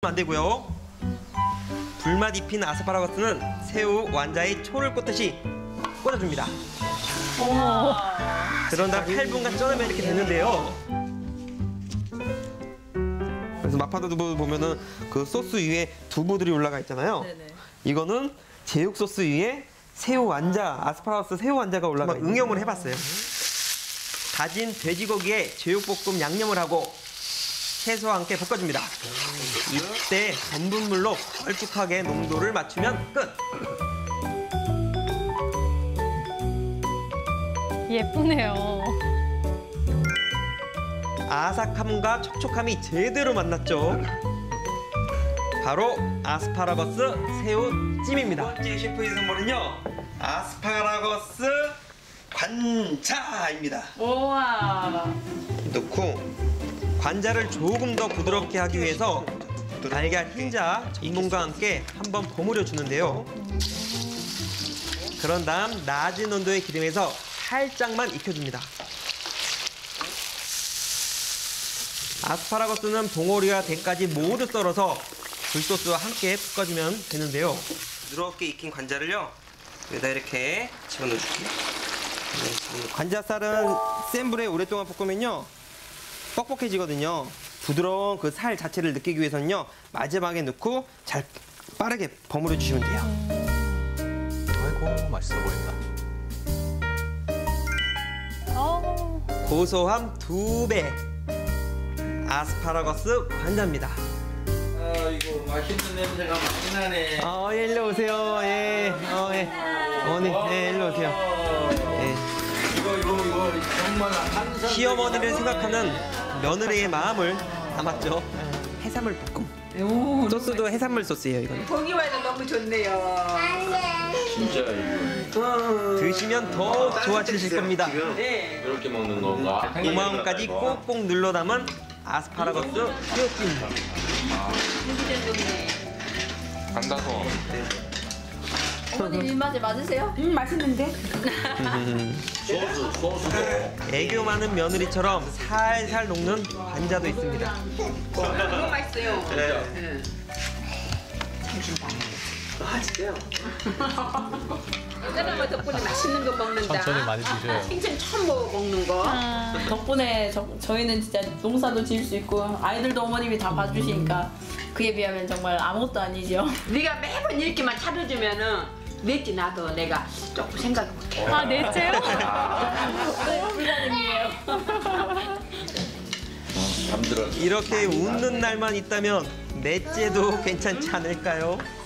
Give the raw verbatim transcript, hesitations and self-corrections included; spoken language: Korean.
안 되고요. 불맛 입힌 아스파라거스는 새우 완자에 초를 꽂듯이 꽂아줍니다. 그런 다음 팔 분간 쪄내면 이렇게 되는데요. 그래서 마파도 두부 보면은 그 소스 위에 두부들이 올라가 있잖아요. 네네. 이거는 제육 소스 위에 새우 완자, 아스파라거스 새우 완자가 올라가 있는 응용을 해봤어요. 다진 돼지고기에 제육볶음 양념을 하고 채소와 함께 볶아줍니다. 이때 전분물로 걸쭉하게 농도를 맞추면 끝! 예쁘네요. 아삭함과 촉촉함이 제대로 만났죠. 바로 아스파라거스 새우찜입니다. 두 번째 셰프의 선물은요. 아스파라거스 관자입니다. 우와. 넣고 관자를 조금 더 부드럽게 하기 위해서 달걀 흰자 전분과 함께 한번 버무려 주는데요. 그런 다음 낮은 온도의 기름에서 살짝만 익혀줍니다. 아스파라거스는 봉오리와 대까지 모두 썰어서 굴소스와 함께 볶아주면 되는데요. 부드럽게 익힌 관자를요, 여기다 이렇게 집어넣어줄게요. 관자살은 센 불에 오랫동안 볶으면요 뻑뻑해지거든요. 부드러운 그 살 자체를 느끼기 위해서는요 마지막에 넣고 잘 빠르게 버무려 주시면 돼요. 아이고 맛있어 보인다. 어. 고소함 두 배 아스파라거스 관자입니다. 아이고 맛있는 냄새가 많이 나네. 어, 예, 일로 오세요. 예, 어, 예, 어머니, 예, 일로 오세요. 예. 이거 이거 이거 정말 한상. 시어머니를 생각하는 며느리의 마음을 담았죠. 해산물 볶음. 소스도 해산물 소스예요, 이거는. 보기와도 너무 좋네요. 진짜 이거. 드시면 더 좋아지실 겁니다. 네. 이렇게 먹는 건가? 고마움까지 꼭꼭 눌러 담은 아스파라거스 새우찜. 간다서. 어머님 입맛에 맞으세요? 음 맛있는데? 소스 소스도. 애교 많은 며느리처럼 살살 녹는 관자도 있습니다. 너무 맛있어요. 그래요. 네. 아, 진짜요? 사람은 덕분에 맛있는 거 먹는다. 천천히 많이 드셔요. 생전 처음 먹- 먹는 거. 덕분에 저, 저희는 진짜 농사도 지을 수 있고 아이들도 어머님이 다 봐주시니까 그에 비하면 정말 아무것도 아니죠. 네가 매번 이렇게만 차려주면은 넷째 나도 내가 조금 생각 못해. 아, 넷째요? 불가능이에요. 잠들어. 이렇게 웃는 날만 있다면 넷째도 괜찮지 않을까요?